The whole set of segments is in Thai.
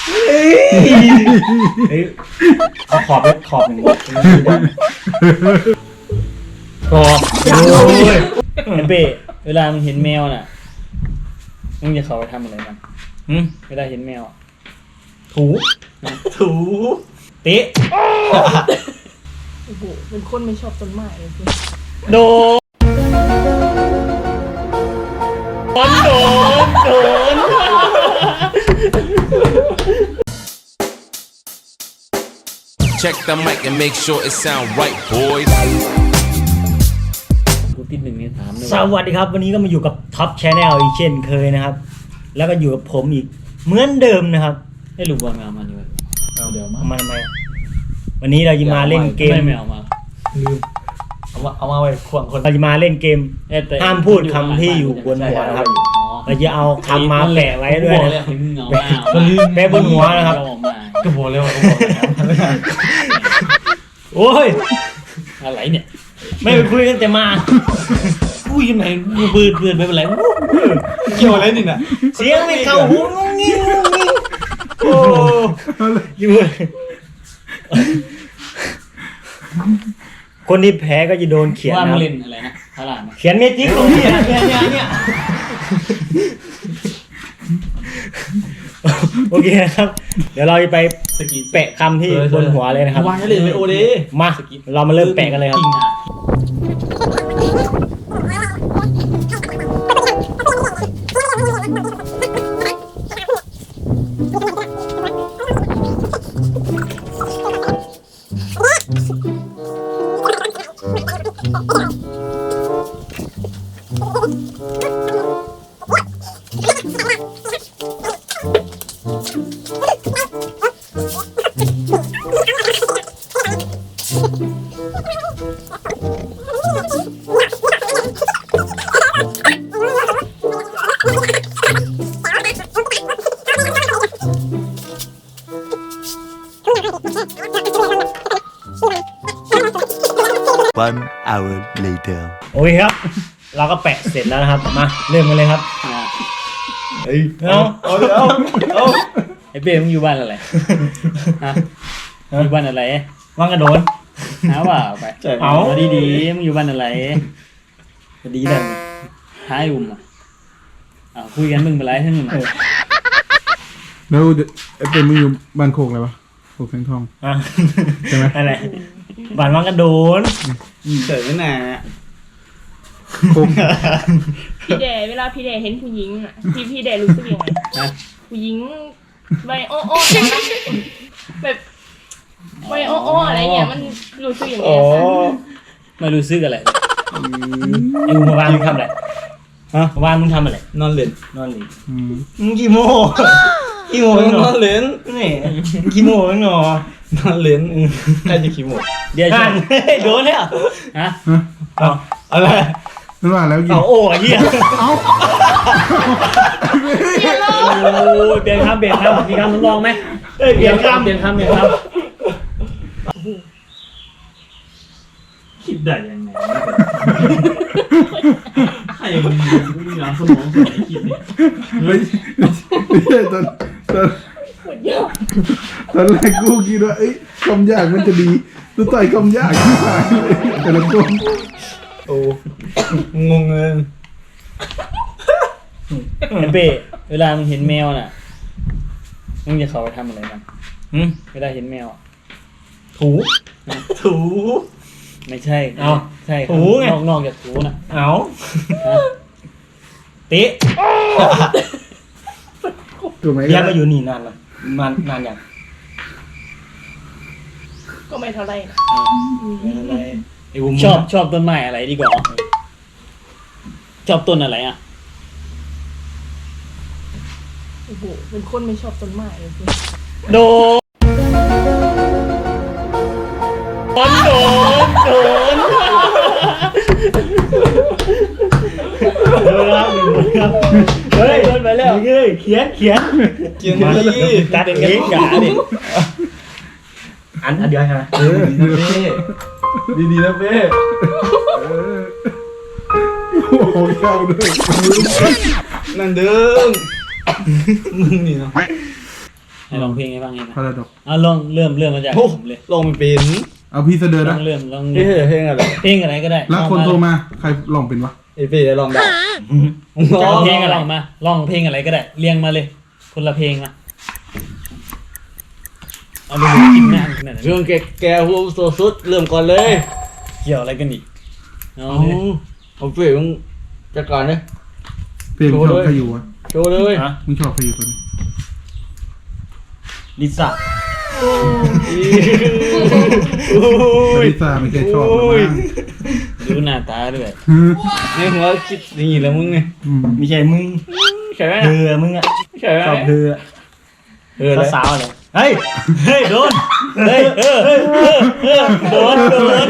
เอาขอบหนึ่งขอบขอบโอ้ยไอ้เป้เวลามึงเห็นแมวน่ะมึงจะเขาไปทำอะไรมันเวลาเห็นแมวถูเตะโอ้โหเป็นคนไม่ชอบต้นไม้เลยพี่โดน Check the mic and make sure it sound right, boys. กูติดหนึ่งเนี่ยถามเลยสวัสดีครับวันนี้ก็มาอยู่กับท็อปชาแนลอีกเช่นเคยนะครับแล้วก็อยู่กับผมอีกเหมือนเดิมนะครับไอ้ลูกบอลแมวมานี่เว้ยเอาเดี๋ยวมาทำไมวันนี้เราจะมาเล่นเกมไม่แมวมาลืมเอามาไว้ควงคนเราจะมาเล่นเกมห้ามพูดคำที่อยู่บนหัวนะครับเราจะเอาคำมาแปะไว้ด้วยนะแปะบนหัวนะครับก็โผล่แล้วโอ้ยอะไรเนี่ยไม่ไปคุยกันแต่มาคุยยังไงเบื่อไม่เป็นไรเกี่ยวอะไรนี่น่ะเสียงไม่เข้าหูงงงิ้งโอ้ยคนที่แพ้ก็จะโดนเขียนว่านะมึงเล่นอะไรนะพลาดเขียนเมจิกตรงนี้เนี่ยโอเคนะครับเดี๋ยวเราจะไปแปะคำที่บนหัวเลยนะครับวางให้เล่นไปโอเดมาเรามาเริ่มแปะกันเลยครับ One hour later โอเคครับเราก็แปะเสร็จแล้วนะครับมาเริ่มกันเลยครับเอาไอ้เบ้มึงอยู่บ้านอะไรฮะอยู่บ้านอะไรว่างกระโดนหาว่าไปเอาดีๆมึงอยู่บ้านอะไรดีเลยหายอุ่มคุยกันมึงเป็นไรทั้งนั้นแล้วเป็นมึงอยู่บ้านโคกอะไรวะโคกแสงทองใช่ไหมอะไรบ้านว่างกระโดนเจ๋อน่ะโคกพี่เดเวลาพี่เดเห็นผู้หญิงอ่ะพี่เดรู้สึกยังไงผู้หญิงใบโอ้แบบใบโอ้อะไรเงี้ยมันรู้สึกยังไงไม่รู้สึกอะไรไอ้มึงวางมึงทำอะไรฮะวางมึงทำอะไรนอนเล่นมึงกี่โมนอนเล่นนี่กี่โมงเนาะนอนเล่นใครจะขี้โมเดี๋ยวฉันโดนแล้วฮะอะไรนั่นว่าแล้วเอาโอ้ยเหี้ยเอาเปลี่ยนคำมีคำทดลองไหมเปลี่ยนคำคิดได้ยังไงใครมึงมีน้ำสมองสวยคิดเนี่ยไม่ใช่ตอนแรกกูคิดว่าคำยากมันจะดีตัวต่อยคำยากที่ผ่านแต่ละคนโอ้งงเลยไอ้เป้เวลามึงเห็นแมวน่ะมึงจะเขาไปทำอะไรมันเวลาเห็นแมวถูไม่ใช่เอาใช่ถูไงนอกจากถูน่ะเอาเตะถูกไหมยังมาอยู่นี่นานแล้วนานยังก็ไม่เท่าไรชอบต้นไม้อะไรดีกว่าชอบต้นอะไรโอ้โหเป็นคนไม่ชอบต้นไม้เลยพี่โดนครับเฮ้ยโดนไปแล้วเขียนมาตัดเองกาดิอันเดียวใช่ไหมดีนะเป้โอ้โหเข้าด้วยนั่นเดิมมึงนี่เนาะให้ลองเพลงให้ฟังไงนะพาราดอกเอาลองเริ่มมาจากผมเลยลงมันเป็นเอาพี่เสดอลนะองเริ่มเพลงอะไรเพลงอะไรก็ได้แล้วคนโทรมาใครลองเป็นวะไอพี่ได้ลองได้จะเอาเพลงอะไรมาลองเพลงอะไรก็ได้เรียงมาเลย คนละเพลงมาเอาดูกินหน้าขนาดนั้นเรื่องแกหัวโซสุดเริ่มก่อนเลยเกี่ยวอะไรกันอีกเอาเอาเลยเอาเปลี่ยนจัดการเลยเพลงชอบใครอยู่วะโชว์เลยมึงชอบใครอยู่ตัวนี้ลิซ่าลิซ่าไม่เคยชอบเลยมั้งดูหน้าตาด้วยในหัวคิดนี่แล้วมึงไงไม่ใช่มึงใช่ไหมเธอมึงอะใช่ไหมชอบเธอสาวอะไรเฮ้ยโดนเฮ้ยโดน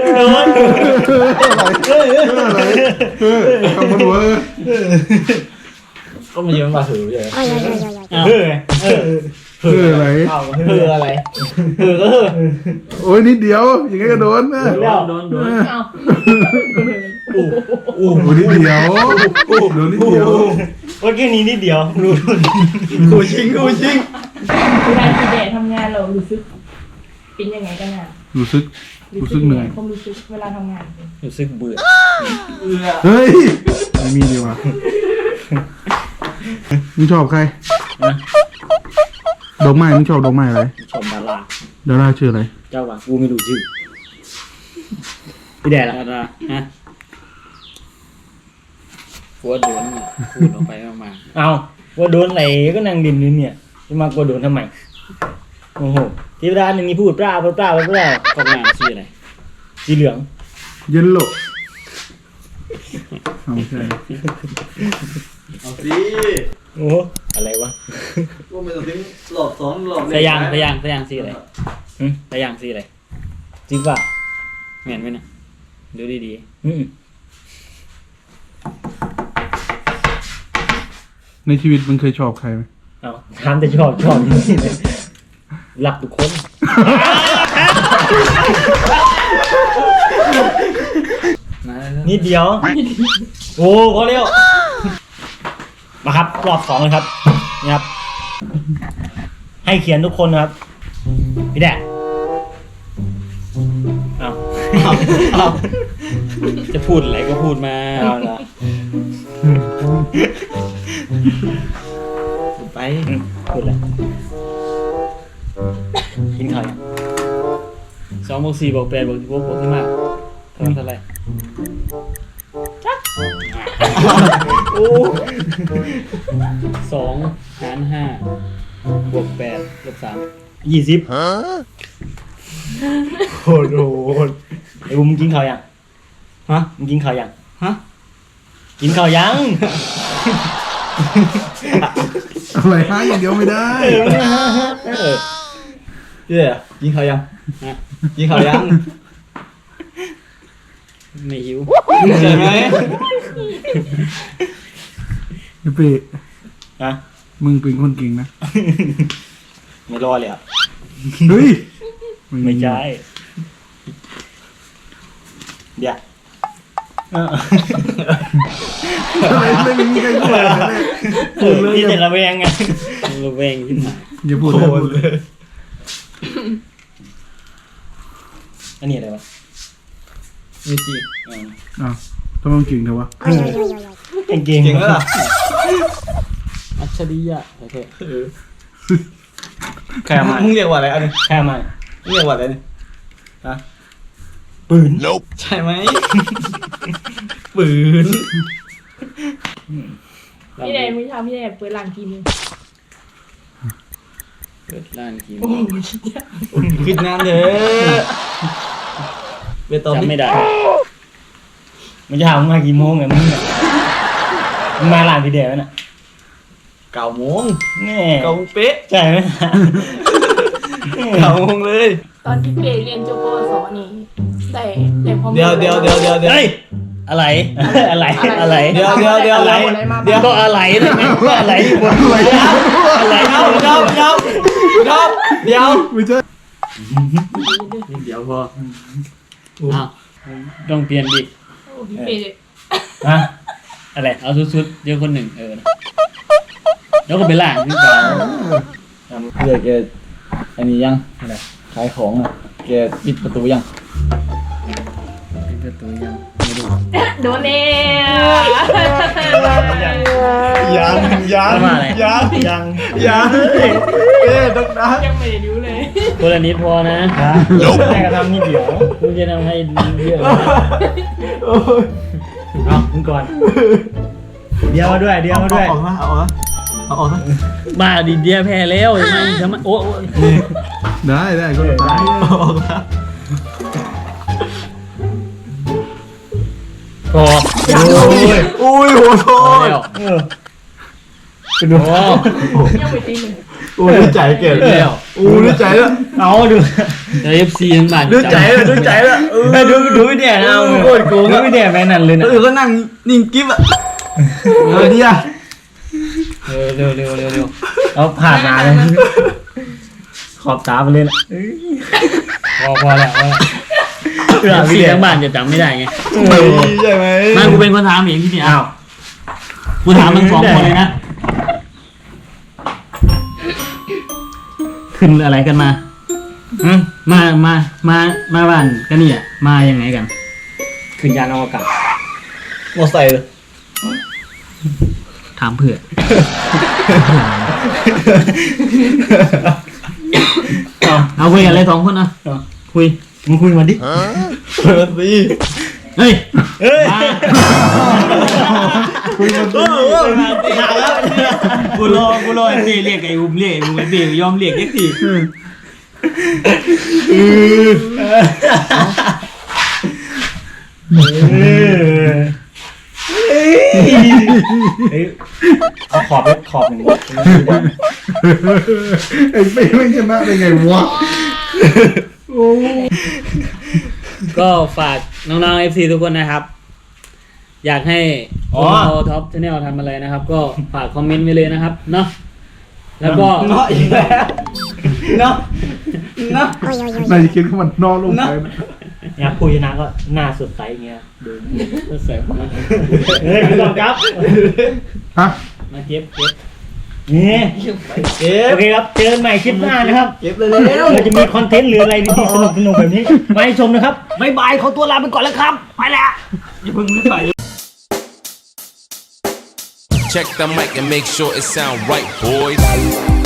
คำมันหัวก็มาเยอะมาถือใช่ไหมอะไรเพื่ออะไรเพื่อก็โอ้ยนิดเดียวอย่างงี้ก็โดนนะโดนเอาโอ้โหนิดเดียวโดนนิดเดียวว่าแค่นี้นิดเดียวดูกูชิงเวลาพี่แดทำงานเรารู้สึกเป็นยังไงกันอ่ะรู้สึกเหนื่อยความรู้สึกเวลาทำงานรู้สึกเบื่อเฮ้ยไม่มีดีว่ะมึงชอบใครดอกไม้มึงชอบดอกไม้อะไรชมดาราดาราชื่ออะไรเจ้าว่ะกูไม่รู้ชื่อพี่แดดดาราฮะหัวโดนพูดออกไปออกมาเอาว่าโดนอะไรก็นั่งดินนี่เนี่ยจะมากลัวโดนทำไมโอ้โหทีเวลาหนึ่งมีพูดเปล่ากองงานชื่ออะไรสีเหลืองเย็นโลเอาใช่เอาสิโอ้อะไรวะกูไม่ต้องทิ้งหลอบสองหลอบสยางสีอะไรสยางสีอะไรจริงป่ะเหม็นไหมนะดูดีในชีวิตมึงเคยชอบใครไหมเอาถามแต่ชอบนี่เลยรักทุกคนๆมาแล้วนิดเดียว โอ้พอเร็วมาครับรอบ2เลยครับนี่ครับ ให้เขียนทุกคนนะครับพี่แดดเอาจะพูดอะไรก็พูดมาเอาละไปพูดเลยกินข้าวยัง 2 บวก 4 บวก 8 บวก 16 บวกที่มากเท่าไหร่2 หาร 5 บวก 8 ลบ 3 20โหดไอ้บุ้มงกินข้าวยังฮะมึงกินข้าวยังฮะกินข้าวยังอะไรฮะอย่างเดียวไม่ได้เย้ยิงเขายังยิงเขายังไม่หิวใช่ไหมไอ้เป้ฮะมึงเป็นคนเก่งนะไม่รอเลยอ่ะเฮ้ยไม่ใช่เดี๋ยวอะไรไม่มีใครพูดเลยพูดเลยพี่อย่าแต่ละแวงไงระแวงที่หมายอย่าพูดเลยอันนี้อะไรวะมีจีอ้าวทำไมมึงเก่งเถอะวะเก่งเก่งแล้วล่ะอัจฉริยะโอเคแค่มามึงเรียกว่าอะไรอันนี้แค่มามึงเรียกว่าอะไรนี่ฮะปืนใช่ไหมปืนพี่แดมื้อเช้าพี่แดเปิดร้านกี่โมงเปิดร้านกี่โมโอ้งโหคิดยากคิดนานเด้อเบตองจำไม่ได้มันจะถามมึงมากี่โมงไงมึงเนี่ยมึงมาหลานพี่เดียวน่ะ 9 โมงแน่ 9 โมงเป๊ะใช่ไหม 9 โมงเลยตอนที่เปเรียนจบปวสนี่ได้ความรู้เดี๋ยวเฮ้ยอะไรอะไรเดี๋ยวอะไรเดี๋ยวก็อะไรนะแม่ก็อะไรบนอะไรเดี๋ยวไม่ใช่เดี๋ยวพออ้าวต้องเปลี่ยนดิโอ้พี่เปฮะอะไรเอาสุดๆเดี๋ยวคนหนึ่งแล้วก็ไปล่างที่เก่าเพื่อแกอันนี้ยังอะไรขายของอ่ะแกปิดประตูยังปิดประตูยังไม่รู้โดนแล้วยังต้องนะยังไม่ได้ดูเลยคนละนิดพอนะแม่ก็ทำนิดเดียวกูจะทำให้เยอะเอามึงก่อนเดียวมาด้วยเดียวมาด้วยออกมาเอาออกมาบ้าดิเดียแพ้แล้วทำไมโอ้ได้ก็ได้ออกมาพอโอ้ยโหโทษเป็นดูยังไม่ตีหนึ่งโอ้ยใจเก็บแล้วโอ้ยใจแล้วเอาดูเดี๋ยว FC ทั้งบ้านดูใจแล้วดูไม่แน่นะโคตรโกงดูไม่แด่แม่นั่นเลยนะแล้วก็นั่งนิ่งกิ๊บอ่ะดีอ่ะเร็วเอาผ่านมาเลยขอบตาไปเลยละพอแล้วFC ทั้งบ้านจะจำไม่ได้ไงใช่ไหมมากูเป็นคนถามเองที่นี่อ้าวกูถามมึง2 คนเลยนะขึ้นอะไรกันมามาบ้านกันเนี่ยมายังไงกันขึ้นยานอวกาศมอไซค์เลยถามเผื่อเอาคุยกันเลย2 คนนะคุยมึงคุยมาดิเปิดสิเฮ้ยคุยกันสิกูรอไอ้เต้เรียกไอ้อุ้มเรียกไอ้อุ้มไอ้เต้ยอมเรียกไอ้ทีเอาขอบหนึ่งไอ้เป้ไม่ชนะได้ไงวะก็ฝากน้องๆ FC ทุกคนนะครับ อยากให้เราท็อปชาแนลทำอะไรนะครับ ก็ฝากคอมเมนต์ไว้เลยนะครับเนาะแล้วก็เนาะอีกแล้วเนาะนายจะคิดว่ามันนอนลงไปนะอยากคุยนะก็หน้าสดใสอย่างเงี้ยดูใส่ของมันเฮ้ยไม่ต้องครับฮะมาเก็บนี่โอเคครับเจอกันใหม่คลิปหน้านะครับเก็บเลยเราจะมีคอนเทนต์หรืออะไรดีๆสนุกแบบนี้มาให้ชมนะครับบ๊ายบายขอตัวลาไปก่อนแล้วครับไปแล้วอย่าเพิ่งรีบไป Check the mic and make sure it sound right, boys.